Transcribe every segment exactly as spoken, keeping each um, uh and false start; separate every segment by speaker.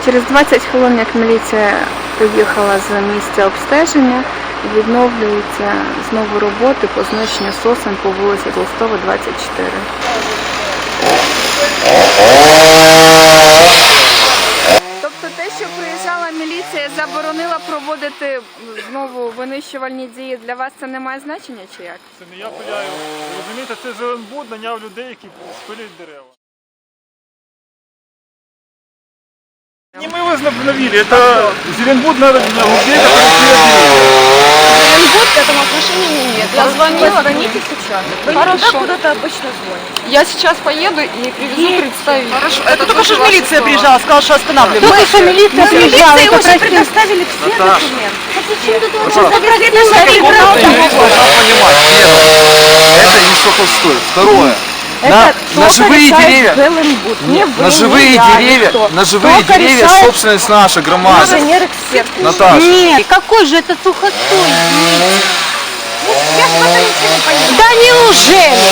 Speaker 1: Через двадцять хвилин, як міліція поїхала з місця обстеження, відновлюються знову роботи по знищенню сосен по вулиці Толстого, двадцять чотири. Тобто те, що приїжджала міліція, заборонила проводити знову винищувальні дії, для вас це не має значення чи як?
Speaker 2: Це не я пиляю. Розумієте, це Зеленбуд наняв людей, які спилюють дерева. Не мы вас навели, это Зеленбуд надо на людей,
Speaker 3: Зеленбуд к этому отношения не имеет. Я звонила.
Speaker 4: Звоните сейчас. Вы
Speaker 3: Хорошо.
Speaker 4: туда куда-то обычно звоните.
Speaker 3: Я сейчас поеду и привезу представителей.
Speaker 4: Хорошо.
Speaker 3: Это
Speaker 4: только что
Speaker 3: тоже ваша
Speaker 4: милиция
Speaker 3: слова.
Speaker 4: приезжала, сказала, что останавливаем.
Speaker 3: Только что милиция приезжала и
Speaker 4: уже
Speaker 3: попросила.
Speaker 4: предоставили все документы.
Speaker 5: Это не Сухостой. Второе. На, на живые деревья, на живые деревья, на живые деревья собственность наша громада.
Speaker 4: Инженер-эксперт.
Speaker 5: Наташа.
Speaker 3: Нет, какой же это Сухостой?
Speaker 4: Я ж в это ничего не понимаю.
Speaker 3: Да неужели?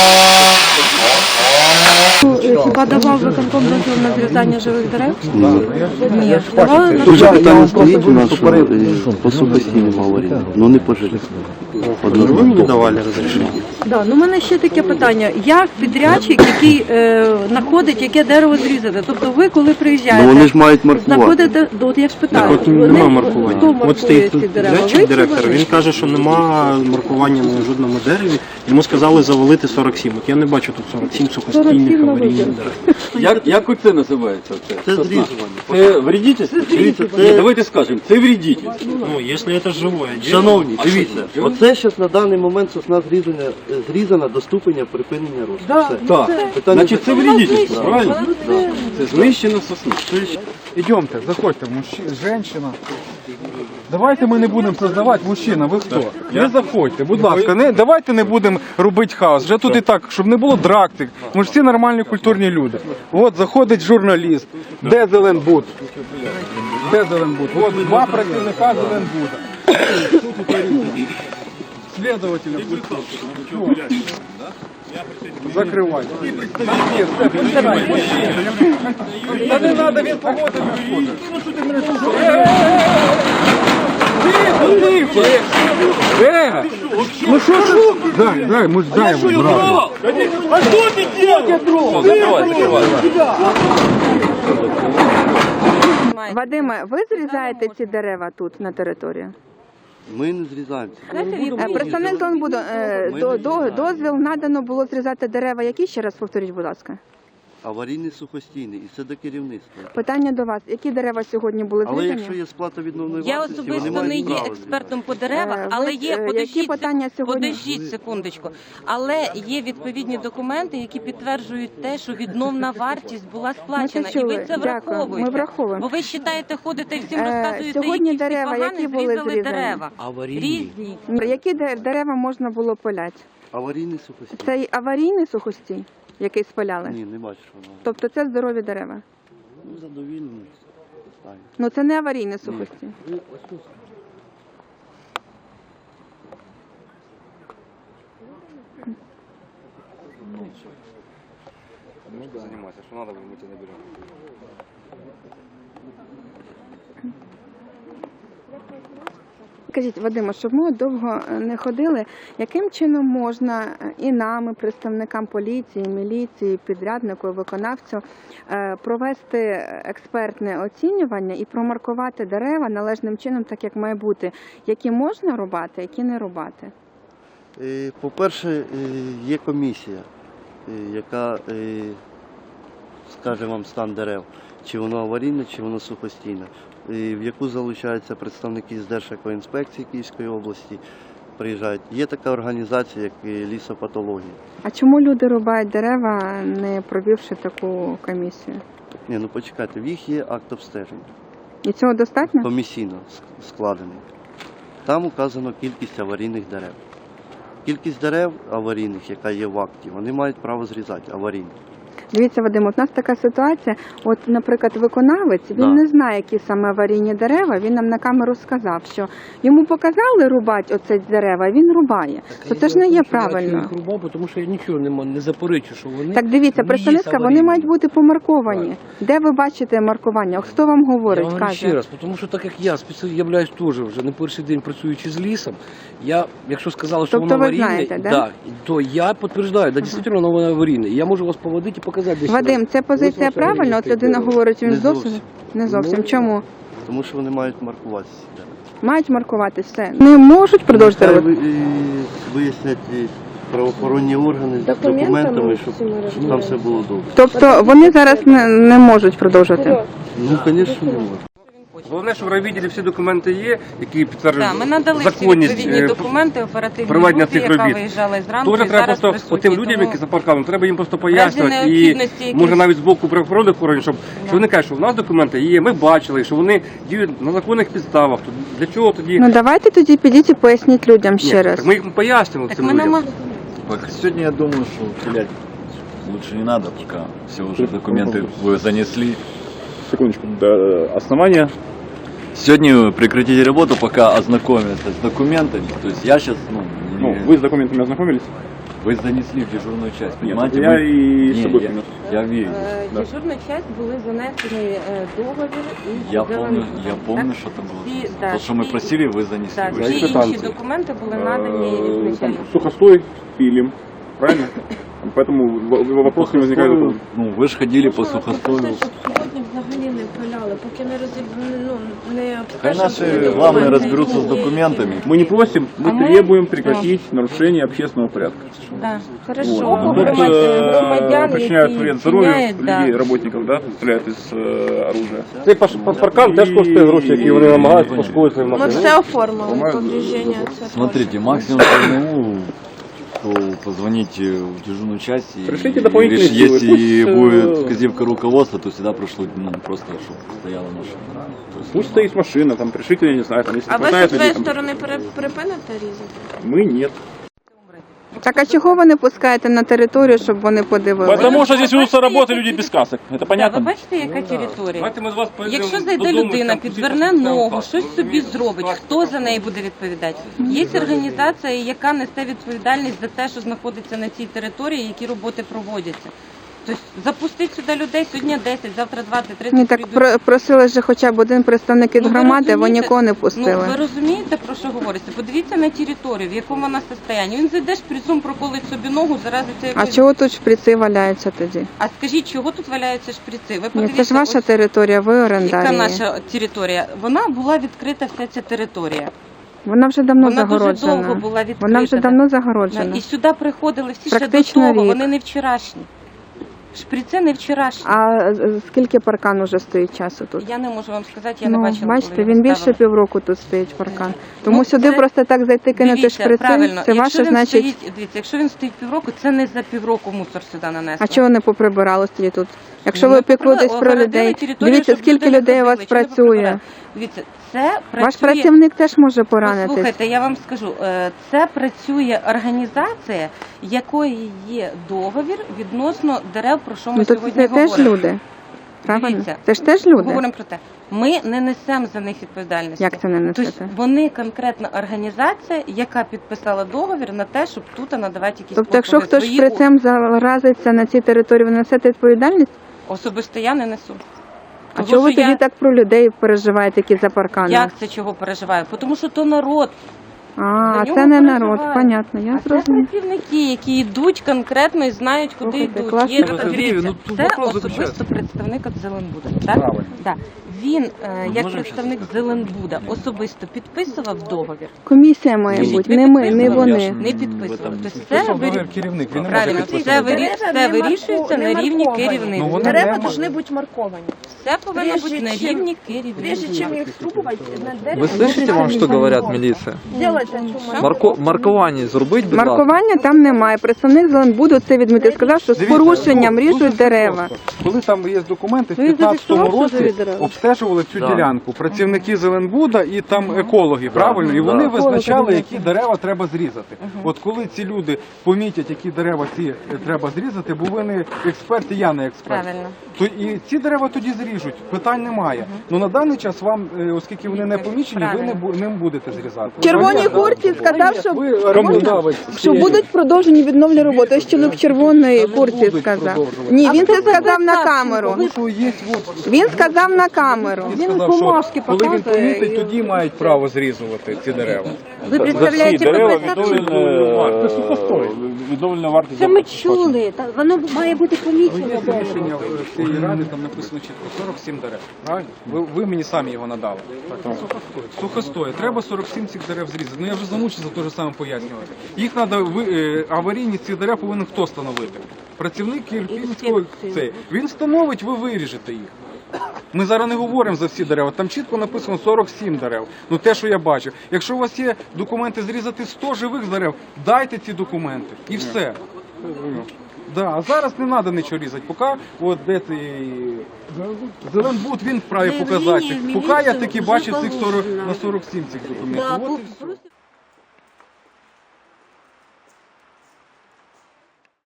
Speaker 6: Хіба давав виконком дозвіл на зрізання живих дерев?
Speaker 7: Ні.
Speaker 6: Давали на
Speaker 7: Дуже питання стоїть у нас, що е, по сухостійним аваріям, ну не по жилих.
Speaker 8: Вы мне давали разрешение?
Speaker 6: Да, ну у мене ще таке питання. Як підрядчик, який е, знаходить, яке дерево зрізати? Тобто ви, коли приїжджаєте,
Speaker 7: Ну вони ж мають маркувати.
Speaker 6: знаходите, ну, от я ж питаю,
Speaker 8: Так от
Speaker 6: вони-
Speaker 8: нема маркування.
Speaker 6: хто
Speaker 8: От
Speaker 6: маркує
Speaker 8: стоїть
Speaker 6: ці
Speaker 8: тут
Speaker 6: дерева?
Speaker 8: підрядчик,
Speaker 6: Ви чи
Speaker 8: директор,
Speaker 6: вони?
Speaker 8: він каже, що нема маркування на жодному дереві. Йому сказали завалити сорок сім. От я не бачу тут сорок сім
Speaker 6: сорок
Speaker 8: сухостійних
Speaker 6: сім
Speaker 8: аварійних
Speaker 6: наводів.
Speaker 8: дерев.
Speaker 9: Як, як оце називається? Це,
Speaker 7: Це зрізування.
Speaker 9: це вредительство?
Speaker 7: Дивіться,
Speaker 9: Ні,
Speaker 7: це,
Speaker 9: давайте скажемо, це вредительство.
Speaker 8: Ну, якщо це живе дерево.
Speaker 7: шановні,
Speaker 9: А що
Speaker 7: дивіться,
Speaker 9: це?
Speaker 7: оце зараз на даний момент сосна зрізана, зрізана до ступеня припинення росту.
Speaker 6: Да.
Speaker 7: Все.
Speaker 9: Так,
Speaker 7: Питання
Speaker 9: значить це вредительство, правильно? Це знищена сосна.
Speaker 2: Идемте, заходьте, мужчина, женщина. Давайте ми не будемо создавати, мужчина, ви хто? Не заходьте, будь ласка, не, давайте не будемо робити хаос. Вже тут і так, щоб не було драктик. Ми ж всі нормальні культурні люди. От заходить журналіст. Де Зеленбуд? Де Зеленбуд? От два працівника Зеленбуда. Следователя пустіть. Закривайте. Ні, все, присядьте. Та не треба, він погоди виходить. Тихо, тихо. Е, ну що ж? Дай, дай, ми ж даємо, брат.
Speaker 9: А що ти робиш? Закривай, закривай.
Speaker 1: Вадиме, ви зрізаєте ці дерева тут на території?
Speaker 7: Ми не зрізаємося.
Speaker 1: Е, Представник Зеленбуду, е, до, до, дозвіл надано було зрізати дерева. Які, ще раз повторіть, будь ласка?
Speaker 7: Аварійний сухостійний, і це до керівництва.
Speaker 1: Питання до вас. Які дерева сьогодні були
Speaker 7: Але
Speaker 1: зрізані?
Speaker 7: якщо є сплата відновної
Speaker 4: Я
Speaker 7: вартості, вони
Speaker 4: особисто не
Speaker 7: мають
Speaker 4: є
Speaker 7: право
Speaker 4: експертом по
Speaker 1: Е,
Speaker 4: деревах,
Speaker 1: ви,
Speaker 4: але
Speaker 1: е,
Speaker 4: є,
Speaker 1: які
Speaker 4: подождіть,
Speaker 1: питання сьогодні?
Speaker 4: подождіть секундочку, але є відповідні документи, які підтверджують те, що відновна вартість була сплачена, і
Speaker 1: чули.
Speaker 4: ви це
Speaker 1: Дякую.
Speaker 4: враховуєте.
Speaker 1: Ми враховуємо.
Speaker 4: Бо ви вважаєте, ходите і всім
Speaker 1: Е,
Speaker 4: розказуєте,
Speaker 1: сьогодні
Speaker 4: які всі
Speaker 1: дерева,
Speaker 4: погані,
Speaker 1: які були
Speaker 4: зрізали
Speaker 1: зрізані?
Speaker 4: дерева.
Speaker 7: Аварійні.
Speaker 4: Різні.
Speaker 1: Які де- дерева можна було пиляти?
Speaker 7: Аварійний сухостійний.
Speaker 1: Це й аварійний сухостій, який спаляли?
Speaker 7: Ні, не бачу, що воно.
Speaker 1: Тобто це здорові дерева?
Speaker 7: Ну, задовільно. Ставлю.
Speaker 1: Ну це не аварійний сухостій.
Speaker 9: Занимайся, що треба, ми тебе наберемо.
Speaker 1: Скажіть, Вадиме, щоб ми довго не ходили, яким чином можна і нам, і представникам поліції, міліції, підряднику, виконавцю е, провести експертне оцінювання і промаркувати дерева належним чином, так як має бути, які можна рубати, які не рубати?
Speaker 7: Е, По-перше, е, є комісія, е, яка е, скаже вам стан дерев, чи воно аварійне, чи воно сухостійне, е, в яку залучаються представники з Держекоінспекції Київської області, приїжджають. Є така організація, як е, лісопатологія.
Speaker 1: А чому люди рубають дерева, не провівши таку комісію?
Speaker 7: Ні, ну почекайте, в їх є акт обстеження,
Speaker 1: І цього достатньо?
Speaker 7: комісійно с- складений. Там указано кількість аварійних дерев. Кількість дерев аварійних, яка є в акті, вони мають право зрізати аварійні.
Speaker 1: Дивіться, Вадим, от у нас така ситуація. От, наприклад, виконавець, він
Speaker 5: Да.
Speaker 1: не знає, які саме аварійні дерева. Він нам на камеру сказав, що йому показали рубати оце дерева, а він рубає. То це ж не є правильно.
Speaker 9: Я рубав, тому що я нічого не, м- не заперечу, що вони
Speaker 1: Так дивіться,
Speaker 9: не є
Speaker 1: представництва, вони
Speaker 9: аварійними.
Speaker 1: мають бути помарковані. Де ви бачите маркування? Хто вам
Speaker 9: Я
Speaker 1: говорить,
Speaker 9: вам говорю
Speaker 1: каже?
Speaker 9: ще раз, тому що так як я спеціально являюсь теж вже не перший день працюючи з лісом, я, якщо сказали, що
Speaker 1: Тобто
Speaker 9: воно
Speaker 1: ви
Speaker 9: аварійне,
Speaker 1: знаєте, да?
Speaker 9: да, то я підтверджую, да, дійсно воно аварійне. І я можу вас поводити і показати десь.
Speaker 1: Вадим, це позиція
Speaker 9: Ось ваше
Speaker 1: правильна? От
Speaker 9: аварійне
Speaker 1: людина
Speaker 9: дерево.
Speaker 1: говорить, він
Speaker 7: Не
Speaker 1: зовсім
Speaker 7: зовсім.
Speaker 1: не зовсім.
Speaker 9: Ну,
Speaker 1: Чому?
Speaker 7: Тому що вони мають маркуватися.
Speaker 1: Мають маркувати все. Не можуть продовжити
Speaker 7: Нехай
Speaker 1: робити.
Speaker 7: ви- і вияснять і правоохоронні органи з документами, щоб, щоб там все було добре.
Speaker 1: Тобто вони зараз не, не можуть продовжувати.
Speaker 7: Ну, звісно, не можна.
Speaker 2: Головне, щоб в райвідділі всі документи є, які підтверджують
Speaker 4: Так, ми надали всі
Speaker 2: законність
Speaker 4: відповідні
Speaker 2: е,
Speaker 4: документи оперативній
Speaker 2: проведення
Speaker 4: групі,
Speaker 2: цих
Speaker 4: яка
Speaker 2: робіт.
Speaker 4: виїжджала зранку і
Speaker 2: Дуже треба
Speaker 4: зараз
Speaker 2: просто
Speaker 4: присутні.
Speaker 2: тим людям,
Speaker 4: Тому
Speaker 2: які за парканом, треба їм просто
Speaker 4: разі
Speaker 2: пояснювати. І
Speaker 4: необхідності якісь-
Speaker 2: може навіть з боку правоохоронних органів, щоб що вони кажуть, що в нас документи є, ми бачили, що вони діють на законних підставах. То для чого тоді?
Speaker 1: Ну давайте тоді підіть і поясніть людям
Speaker 2: Ні,
Speaker 1: ще раз.
Speaker 2: так ми їх пояснимо
Speaker 4: так
Speaker 2: цим
Speaker 4: ми
Speaker 2: людям.
Speaker 4: нама...
Speaker 5: Сегодня я думаю, что терять лучше не надо, пока все уже документы вы занесли.
Speaker 10: Секундочку. Да, основания.
Speaker 5: Сегодня прекратите работу, пока ознакомятся с документами. То есть я сейчас, ну,
Speaker 10: Ну,
Speaker 5: не-
Speaker 10: вы с документами ознакомились?
Speaker 5: вы занесли в дежурную часть, понимаете?
Speaker 10: я
Speaker 5: Вы-
Speaker 10: и с
Speaker 5: Не,
Speaker 10: собой
Speaker 5: я,
Speaker 10: принес.
Speaker 5: я верю.
Speaker 4: Е, Дежурна часть були занесені е, договір і
Speaker 5: Я
Speaker 4: зелені
Speaker 5: помню,
Speaker 4: бумаги,
Speaker 5: я
Speaker 4: так?
Speaker 5: помню, что это было.
Speaker 4: Всі, да,
Speaker 5: То, что мы
Speaker 4: всі-
Speaker 5: просили, вы занесли.
Speaker 4: Так,
Speaker 5: Вы-
Speaker 4: всі інші
Speaker 10: квитанції.
Speaker 4: документи були надані
Speaker 10: Э,
Speaker 4: ізначально.
Speaker 10: там, сухостой пилим, правильно? Поэтому в- в- вопрос не возникает.
Speaker 5: Сухостою, ну, вы же ходили по сухостою.
Speaker 3: Сьогодні взагалі не впиляли, поки не розіб... ну, не
Speaker 5: Хай наши главные разберутся с документами.
Speaker 10: Мы не просим, мы
Speaker 4: А мы-
Speaker 10: требуем прекратить нарушение общественного порядка.
Speaker 4: Да. Хорошо.
Speaker 10: Вот. Тут
Speaker 4: Громадян,
Speaker 10: э,
Speaker 4: громадян,
Speaker 10: причиняют
Speaker 4: які
Speaker 10: вред здоровью
Speaker 4: вчиняють, да.
Speaker 10: людей, работников, да, стреляют из э, оружия.
Speaker 2: Цей паш- паркан теж коштує гроші, які вони намагаються пошкодити свої
Speaker 3: Ми
Speaker 2: машини.
Speaker 3: все оформили,
Speaker 10: По-моєму,
Speaker 3: повреждення. Це
Speaker 5: Смотрите, максимум по одному, то позвоните в дежурную часть и
Speaker 10: Пришлите дополнительные
Speaker 5: решите,
Speaker 10: силы.
Speaker 5: если
Speaker 10: Пусть, э,
Speaker 5: будет вказивка руководства, то всегда прошло, ну, просто, чтобы стояла машина. То есть,
Speaker 10: Пусть стоит машина, там пришите, я не знаю, там, если
Speaker 3: А ви
Speaker 10: хватает
Speaker 3: зі своєї
Speaker 10: людей, там,
Speaker 3: сторони пере- припините різати?
Speaker 10: мы нет.
Speaker 1: Так а чого ви не пускаєте на територію, щоб вони подивилися?
Speaker 10: Потому что здесь ведутся работы люди без касок. Это
Speaker 4: Так,
Speaker 10: понятно?
Speaker 4: ви бачите, яка територія?
Speaker 2: Давайте ми з вас поїдемо
Speaker 4: Якщо зайде
Speaker 2: додому,
Speaker 4: людина,
Speaker 2: там
Speaker 4: підверне
Speaker 2: посидимо,
Speaker 4: ногу,
Speaker 2: там,
Speaker 4: щось собі зробить, хто за неї буде відповідати? Є організація, яка несе відповідальність за те, що знаходиться на цій території, які роботи проводяться. Тобто запустити сюди людей сьогодні десять, завтра двадцять, тридцять.
Speaker 1: Ні, так
Speaker 4: прийдуть.
Speaker 1: про- просили ж хоча б один представник від
Speaker 4: Ну, ви
Speaker 1: громади, ви
Speaker 4: розумієте?
Speaker 1: нікого не
Speaker 4: Ну,
Speaker 1: пустили.
Speaker 4: ви розумієте, про що говориться? Подивіться на територію, в якому вона состоянні. Він зайде шприцом, проколить собі ногу, заразиться
Speaker 1: А
Speaker 4: якоюсь...
Speaker 1: чого тут шприци валяються тоді?
Speaker 4: А скажіть, чого тут валяються шприци? Ви
Speaker 1: Ні,
Speaker 4: подивіться,
Speaker 1: це ж ваша
Speaker 4: ось
Speaker 1: територія, ви орендар.
Speaker 4: яка
Speaker 1: її.
Speaker 4: наша територія. Вона була відкрита, вся ця територія.
Speaker 1: Вона вже давно
Speaker 4: Вона дуже
Speaker 1: загороджена.
Speaker 4: довго була відкрита.
Speaker 1: Вона вже
Speaker 4: да.
Speaker 1: давно загороджена.
Speaker 4: І сюди приходили всі
Speaker 1: Практично
Speaker 4: ще до того,
Speaker 1: рік.
Speaker 4: вони не вчорашні. Шприци не вчорашні.
Speaker 1: А з- скільки паркан уже стоїть часу тут?
Speaker 4: Я не можу вам сказати, я
Speaker 1: Ну,
Speaker 4: не бачила.
Speaker 1: бачите,
Speaker 4: коли
Speaker 1: він
Speaker 4: його
Speaker 1: більше
Speaker 4: ставили.
Speaker 1: півроку тут стоїть паркан. Тому
Speaker 4: Ну,
Speaker 1: сюди
Speaker 4: це-
Speaker 1: просто так зайти, кинути
Speaker 4: Дивіться,
Speaker 1: шприци,
Speaker 4: правильно.
Speaker 1: це
Speaker 4: Якщо
Speaker 1: ваше,
Speaker 4: він
Speaker 1: значить.
Speaker 4: стоїть, дивіться, якщо він стоїть півроку, це не за півроку мусор сюди нанесли.
Speaker 1: А чого не поприбирали тоді тут? Якщо
Speaker 4: Ну,
Speaker 1: ви піклуєтесь про
Speaker 4: огородили
Speaker 1: людей,
Speaker 4: територію,
Speaker 1: дивіться,
Speaker 4: щоб
Speaker 1: скільки
Speaker 4: люди не
Speaker 1: людей у вас
Speaker 4: ходили, чи не
Speaker 1: працює.
Speaker 4: поприбирали. Дивіться, це працює...
Speaker 1: Ваш працівник теж може поранитись.
Speaker 4: Слухайте, я вам скажу, е, це працює організація, якої є договір відносно дерев, про що ми
Speaker 1: Ну то
Speaker 4: сьогодні
Speaker 1: це теж
Speaker 4: говоримо.
Speaker 1: люди. Правильно?
Speaker 4: Дивіться,
Speaker 1: Це ж теж люди.
Speaker 4: Говоримо про те. Ми не несемо за них відповідальності.
Speaker 1: Як це не несете?
Speaker 4: Тобто вони конкретна організація, яка підписала договір на те, щоб тут надавати якісь
Speaker 1: Тобто, якщо
Speaker 4: послуги
Speaker 1: хтось
Speaker 4: свої
Speaker 1: шприцем заразиться на цій території, ви несете відповідальність?
Speaker 4: особисто я не несу.
Speaker 1: А
Speaker 4: Тому
Speaker 1: чого ви
Speaker 4: що
Speaker 1: тоді
Speaker 4: я-
Speaker 1: так про людей переживаєте, які за парканом?
Speaker 4: Як це чого переживаю? Тому що то народ.
Speaker 1: А,
Speaker 4: За
Speaker 1: це
Speaker 4: нього
Speaker 1: не
Speaker 4: переживають.
Speaker 1: народ, понятно, я
Speaker 4: А це
Speaker 1: зрозуміла.
Speaker 4: працівники, які йдуть конкретно і знають, куди
Speaker 1: Слухайте,
Speaker 4: йдуть.
Speaker 1: класно.
Speaker 4: Є,
Speaker 1: Ну,
Speaker 2: Сергій,
Speaker 4: дивіться,
Speaker 2: ну, тут
Speaker 4: це
Speaker 2: вопрос
Speaker 4: особисто
Speaker 2: заключається.
Speaker 4: представник від Зеленбуда. Так?
Speaker 2: Правильно.
Speaker 4: Да. Він, е, як
Speaker 5: можемо
Speaker 4: представник Зеленбуда, особисто підписував договір.
Speaker 1: Комісія має
Speaker 4: Ні,
Speaker 1: бути,
Speaker 4: не
Speaker 1: не ми, не
Speaker 4: підписував.
Speaker 1: вони.
Speaker 4: Не підписував. Тобто це
Speaker 2: Підписав
Speaker 4: вирі-
Speaker 2: договір керівник, він не може
Speaker 4: Правильно,
Speaker 2: підписувати.
Speaker 4: це, вирі... це вирішується на рівні керівництва.
Speaker 2: Ну, вони
Speaker 3: Дерева
Speaker 2: не
Speaker 3: повинні бути марковані.
Speaker 4: Все повинно
Speaker 3: Прежде
Speaker 4: бути на
Speaker 3: чим-
Speaker 4: рівні
Speaker 3: Прежде
Speaker 4: керівництва.
Speaker 3: чем их срубать, на дерево...
Speaker 11: Вы слышите, вам что говорят милиция?
Speaker 3: Сделать эту
Speaker 11: Марко... Маркування зробить, будь ласка.
Speaker 1: Маркування там немає. Представник Зеленбуду це відмітив. Сказав, що з
Speaker 2: Дивіться,
Speaker 1: порушенням
Speaker 2: ну,
Speaker 1: ріжуть
Speaker 2: дуже
Speaker 1: дерева.
Speaker 2: просто. Коли там є документи, в
Speaker 1: Ну, він
Speaker 2: п'ятнадцятому
Speaker 1: зафіксував, що
Speaker 2: році
Speaker 1: завідував.
Speaker 2: обстеження обстежували цю
Speaker 5: Да.
Speaker 2: ділянку. Працівники Зеленбуда і там екологи, правильно? І вони
Speaker 5: Да.
Speaker 2: визначали, які дерева треба зрізати. От коли ці люди помітять, які дерева ці е, треба зрізати, бо ви не експерт, і я не експерт.
Speaker 4: Правильно.
Speaker 2: То і ці дерева тоді зріжуть, питань немає. Ну на даний час вам, е, оскільки вони не помічені, ви не, бу- не будете зрізати.
Speaker 1: В червоній курці сказав, що,
Speaker 2: Ви орендодавець.
Speaker 1: що будуть продовжені відновлені роботи. Ось чоловік в червоній курці
Speaker 2: будуть
Speaker 1: сказав.
Speaker 2: продовжувати.
Speaker 1: Ні, він це сказав на камеру.
Speaker 2: Тому що є от
Speaker 1: Він сказав на камеру.
Speaker 2: Він сказав, що коли він помітить, тоді мають право зрізувати ці дерева.
Speaker 6: Ви представляєте
Speaker 10: дерева
Speaker 6: компетентну
Speaker 10: відновлена, відновлена вартість.
Speaker 6: Це ми чули. Та воно має бути
Speaker 2: Ну,
Speaker 6: помічено.
Speaker 2: є рішення е, цієї ради, там написано чітко сорок сім дерев. Правильно? Ви, ви мені самі його надали. Сухостої. Треба сорок сім цих дерев зрізати. Ну я вже замучився те ж саме пояснювати. Їх треба, аварійність цих дерев повинен хто встановити? Працівник Ірпінського цей. Він встановить, ви виріжете їх. Ми зараз не говоримо за всі дерева, там чітко написано сорок сім дерев. Ну те, що я бачив. Якщо у вас є документи зрізати сто живих дерев, дайте ці документи. І все. Да, а зараз не треба нічого різати. Поки от де цей Зеленбуд, він вправі показати. Поки я таки бачив цих сорок на сорок сім цих документів. От і все.